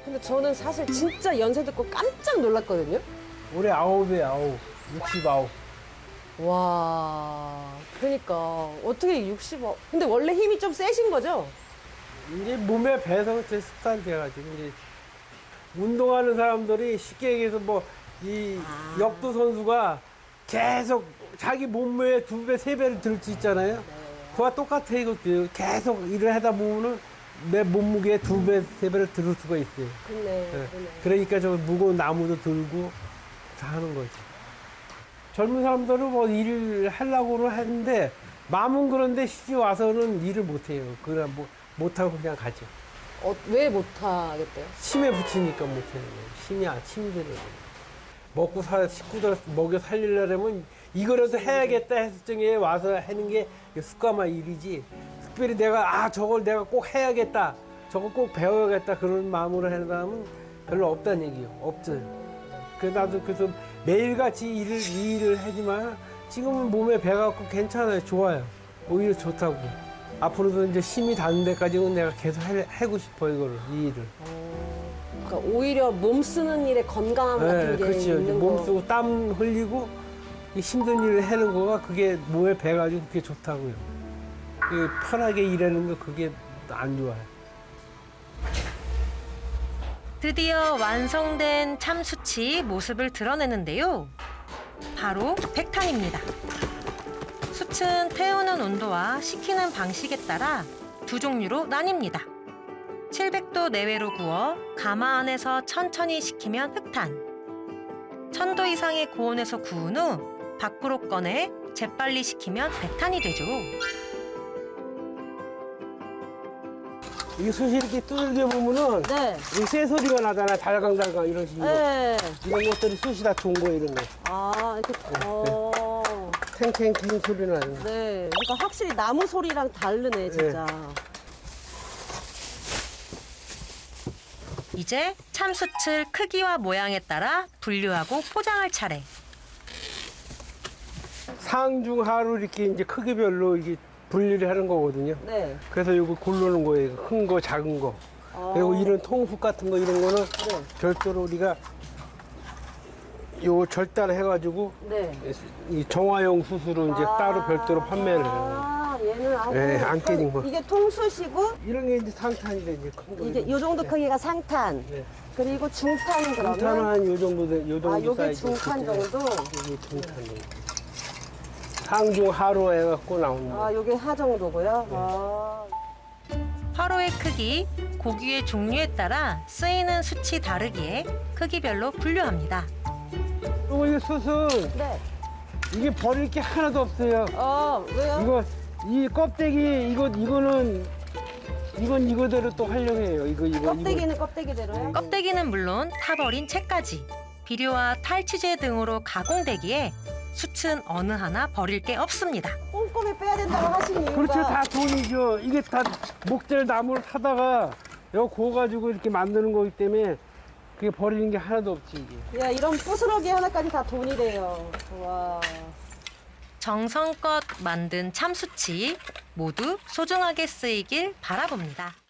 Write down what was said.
근데 저는 사실 진짜 연세 듣고 깜짝 놀랐거든요. 올해 9에 69. 와, 그러니까 어떻게 65? 근데 원래 힘이 좀 세신 거죠? 이제 몸에 배서 제 습관이 돼가지고 이제 운동하는 사람들이 쉽게 얘기해서 뭐 이 역도 선수가 계속 자기 몸무게 2배, 3배를 들 수 있잖아요. 그와 똑같아 이것도 계속 일을 하다 보면은 내 몸무게 2배, 3배를 들을 수가 있어요. 그네, 네. 그네. 그러니까 저 무거운 나무도 들고 다 하는 거지. 젊은 사람들은 뭐 일을 하려고는 하는데 마음은 그런데 시집 와서는 일을 못 해요. 그냥 뭐 못하고 그냥 가죠. 왜 못하겠대요? 침에 붙이니까 못 하는 거예요. 침이 들어요. 먹고 식구들 먹여 살리려면 이거라도 해야겠다 했을 적에 와서 하는 게 습관화 일이지. 특별히 내가 저걸 내가 꼭 해야겠다. 저거 꼭 배워야겠다. 그런 마음으로 하는 사람은 별로 없다는 얘기예요. 없어요. 그래서 나도 그래서 매일같이 이 일을 하지만 지금은 몸에 배갖고 괜찮아요. 좋아요. 오히려 좋다고. 앞으로도 이제 힘이 닿는 데까지는 내가 계속 하고 싶어 이거를, 이 일을. 그러니까 오히려 몸 쓰는 일에 건강함 같은 게 그렇죠. 있는 몸 거. 쓰고 땀 흘리고 이 힘든 일을 하는 거가 그게 몸에 배가지고 그게 좋다고요. 그 편하게 일하는 거 그게 안 좋아요. 드디어 완성된 참수치 모습을 드러내는데요. 바로 백탄입니다. 숯은 태우는 온도와 식히는 방식에 따라 두 종류로 나뉩니다. 700도 내외로 구워 가마 안에서 천천히 식히면 흑탄. 1000도 이상의 고온에서 구운 후 밖으로 꺼내 재빨리 식히면 백탄이 되죠. 이 숯이 이렇게 두들겨 보면은 네. 이 새 소리가 나잖아. 달강달강 이런 식으로. 네. 이런 것들이 숯이 다 좋은 거예요, 이런 거. 이렇게. 탱탱탱 소리 나는 거. 네. 그러니까 확실히 나무 소리랑 다르네, 진짜. 이제 참숯을 크기와 모양에 따라 분류하고 포장할 차례. 상중하로 이렇게 이제 크기별로 이게 분리를 하는 거거든요. 네. 그래서 이거 고르는 거예요. 큰 거, 작은 거. 그리고 이런 통수 같은 거 이런 거는 네. 별도로 우리가 요 절단해가지고 네. 이 정화용 숯으로 이제 따로 별도로 판매를 해요. 얘는 네, 안 깨진 거. 이게 통수시고 이런 게 이제 상탄이래, 이제 큰 거. 이게 요 정도 크기가 상탄. 네. 그리고 중탄은 그러면 중탄은 한 요 정도, 요 정도 요게 사이즈. 중탄 정도. 이게 중탄 정도. 상중 하로 해갖고 나오는 거. 요게 하 정도고요. 화로의 크기, 고기의 종류에 따라 쓰이는 숯이 다르기에 크기별로 분류합니다. 그리고 이 숯은 네. 이게 버릴 게 하나도 없어요. 왜요? 이거 이 껍데기 이거는 이건 이거대로 또 활용해요. 이거 껍데기는 껍데기대로요? 껍데기는 물론 타버린 채까지 비료와 탈취제 등으로 가공되기에 숯은 어느 하나 버릴 게 없습니다. 꼼꼼히 빼야 된다고 하신 이유가 그렇죠. 다 돈이죠. 이게 다 목재 나무를 타다가 여기 구워가지고 이렇게 만드는 거기 때문에 그게 버리는 게 하나도 없지 이게. 야, 이런 부스러기 하나까지 다 돈이 돼요. 와. 정성껏 만든 참숯이 모두 소중하게 쓰이길 바라봅니다.